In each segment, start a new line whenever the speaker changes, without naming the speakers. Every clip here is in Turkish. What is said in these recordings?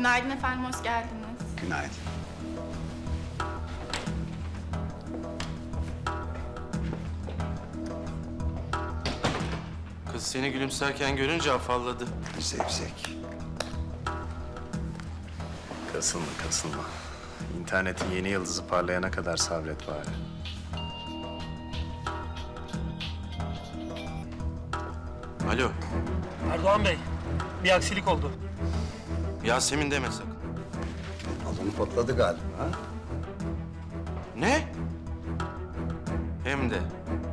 Günaydın efendim, hoş geldiniz.
Günaydın.
Kız seni gülümserken görünce afalladı.
Zevzek.
Kasılma, kasılma. İnternetin yeni yıldızı parlayana kadar sabret bari.
Alo,
Erdoğan Bey, bir aksilik oldu.
Yasemin deme sakın.
Balon patladı galiba. Ha?
Ne? Hem de.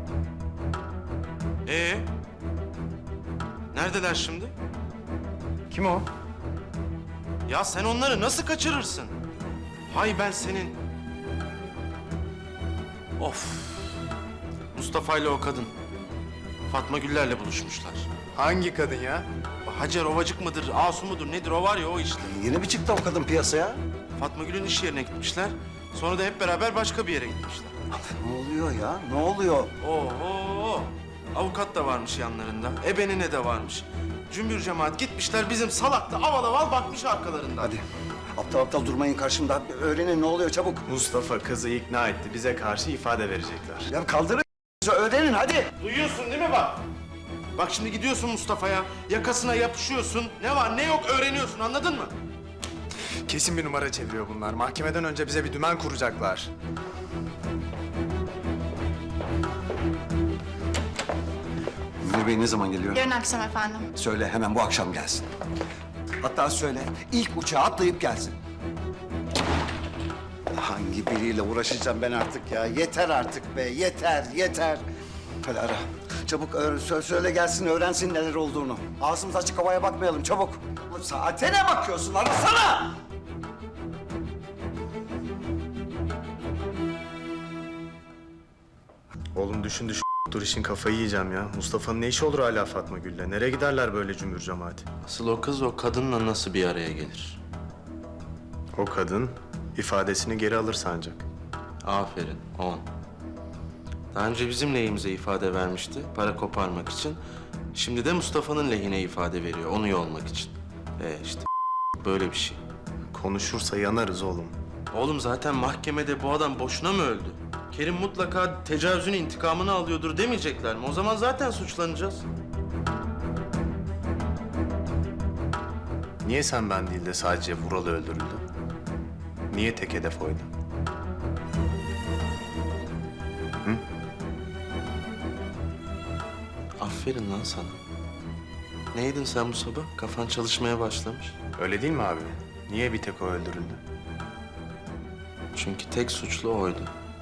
Neredeler şimdi?
Kim o?
Ya sen onları nasıl kaçırırsın? Hay ben senin. Of. Mustafa ile o kadın. Fatma Güller'le buluşmuşlar.
Hangi kadın ya?
Hacer Ovacık mıdır, Asu mudur nedir o var ya o işte.
Yeni mi çıktı o kadın piyasaya?
Fatma Gül'ün iş yerine gitmişler. Sonra da hep beraber başka bir yere gitmişler.
Ne oluyor ya? Ne oluyor?
Oho! Avukat da varmış yanlarında. Ebenine de varmış. Cümbür cemaat gitmişler bizim salak da aval aval bakmış arkalarından.
Hadi. Aptal aptal durmayın karşımda. Öğrenin ne oluyor çabuk.
Mustafa kızı ikna etti. Bize karşı ifade verecekler.
Ya kaldırın öğrenin hadi.
Duyuyorsun değil mi bak? Bak şimdi gidiyorsun Mustafa'ya, yakasına yapışıyorsun. Ne var ne yok öğreniyorsun anladın mı?
Kesin bir numara çeviriyor bunlar. Mahkemeden önce bize bir dümen kuracaklar.
Müdür Bey ne zaman geliyor?
Yarın akşam efendim.
Söyle hemen bu akşam gelsin. Hatta söyle ilk uçağa atlayıp gelsin. Hangi biriyle uğraşacağım ben artık ya? Yeter artık be, yeter, yeter. Hadi ara. Çabuk söyle gelsin, öğrensin neler olduğunu. Ağzımız açık havaya bakmayalım, çabuk. Saate ne bakıyorsun? Arasana!
Oğlum düşün. Dur işin kafayı yiyeceğim ya. Mustafa'nın ne işi olur hala Fatma Gül'le? Nereye giderler böyle cümbür cemaati?
Asıl o kız o kadınla nasıl bir araya gelir?
O kadın ifadesini geri alır sancak.
Aferin, 10. Daha önce bizim lehimize ifade vermişti, para koparmak için. Şimdi de Mustafa'nın lehine ifade veriyor, onu yolmak için. İşte böyle bir şey.
Konuşursa yanarız oğlum.
Oğlum zaten mahkemede bu adam boşuna mı öldü? Kerim mutlaka tecavüzün intikamını alıyordur demeyecekler mi? O zaman zaten suçlanacağız.
Niye sen ben değil de sadece Vural öldürüldü? Niye tek hedef oydu?
Aferin lan sana. Neydin sen bu sabah? Kafan çalışmaya başlamış.
Öyle değil mi abi? Niye bir tek o öldürüldü?
Çünkü tek suçlu oydu.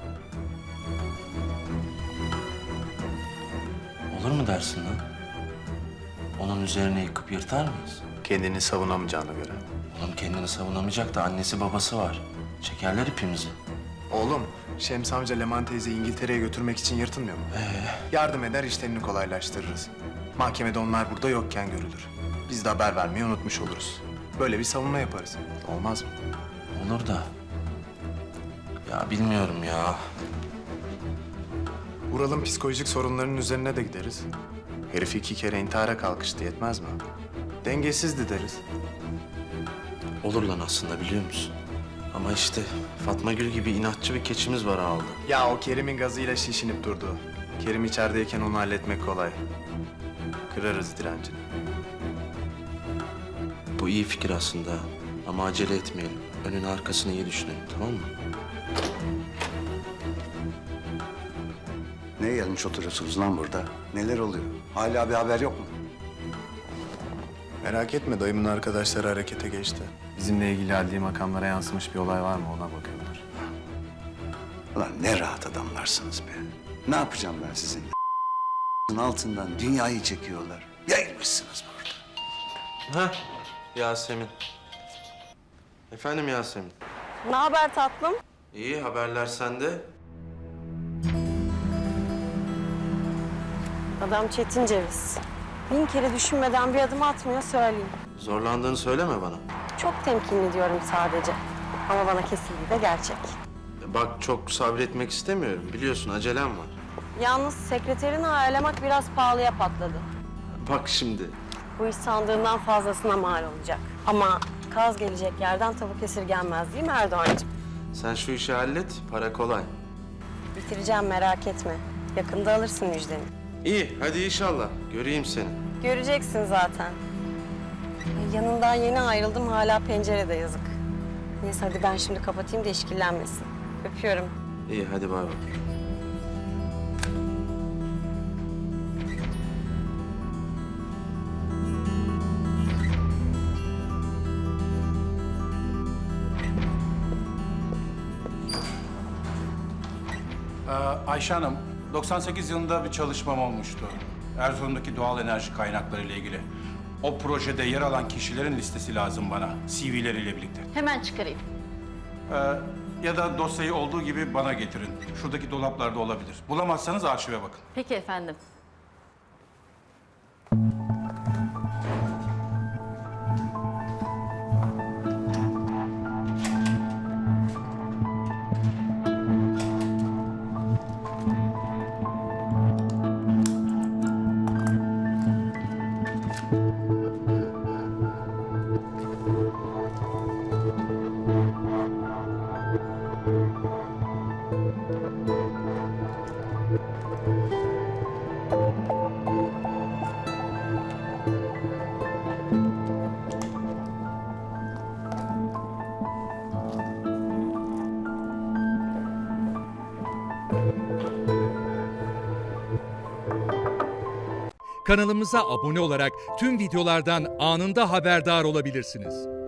Olur mu dersin lan? Onun üzerine yıkıp yırtar mıyız?
Kendini savunamayacağına göre.
Oğlum kendini savunamayacak da annesi babası var. Çekerler ipimizi.
Oğlum, Şems amca Leman teyzeyi İngiltere'ye götürmek için yırtılmıyor mu? Yardım eder, işlerini kolaylaştırırız. Mahkemede onlar burada yokken görülür. Biz de haber vermeyi unutmuş oluruz. Böyle bir savunma yaparız. Olmaz mı?
Olur da. Ya bilmiyorum ya.
Vural'ın psikolojik sorunlarının üzerine de gideriz. Herif 2 kere intihara kalkıştı, yetmez mi? Dengesizdi deriz.
Olur lan aslında biliyor musun? Ama işte Fatma Gül gibi inatçı bir keçimiz var ağılda.
Ya o Kerim'in gazıyla şişinip durdu. Kerim içerideyken onu halletmek kolay. Kırarız direncini.
Bu iyi fikir aslında. Ama acele etmeyelim. Önünü arkasını iyi düşünelim tamam mı?
Ne gelmiş oturuyorsunuz lan burada? Neler oluyor? Hala bir haber yok mu?
Merak etme, dayımın arkadaşları harekete geçti. Bizimle ilgili adli makamlara yansımış bir olay var mı ona bakıyorlar.
Ulan ne rahat adamlarsınız be. Ne yapacağım ben sizin altından dünyayı çekiyorlar. Yayılmışsınız burada.
Heh, Yasemin. Efendim Yasemin.
Ne haber tatlım?
İyi haberler sende.
Adam Çetin Ceviz. 1000 kere düşünmeden bir adım atmıyor söyleyeyim.
Zorlandığını söyleme bana.
Çok temkinli diyorum sadece. Ama bana kesildiği de gerçek.
Bak çok sabretmek istemiyorum. Biliyorsun acelem var.
Yalnız sekreterini ayarlamak biraz pahalıya patladı.
Bak şimdi.
Bu iş sandığından fazlasına mal olacak. Ama kaz gelecek yerden tavuk esirgenmez değil mi Erdoğan'cığım?
Sen şu işi hallet, para kolay.
Bitireceğim merak etme. Yakında alırsın müjdeni.
İyi, hadi inşallah. Göreyim seni.
Göreceksin zaten. Ay, yanından yeni ayrıldım hala pencerede yazık. Neyse hadi ben şimdi kapatayım da işkillenmesin. Öpüyorum.
İyi, hadi bay bay.
Ayşe Hanım, 98 yılında bir çalışmam olmuştu. Erzurum'daki doğal enerji kaynakları ile ilgili. O projede yer alan kişilerin listesi lazım bana, CV'leriyle birlikte.
Hemen çıkarayım.
Ya da dosyayı olduğu gibi bana getirin. Şuradaki dolaplarda olabilir. Bulamazsanız arşive bakın.
Peki efendim.
Kanalımıza abone olarak tüm videolardan anında haberdar olabilirsiniz.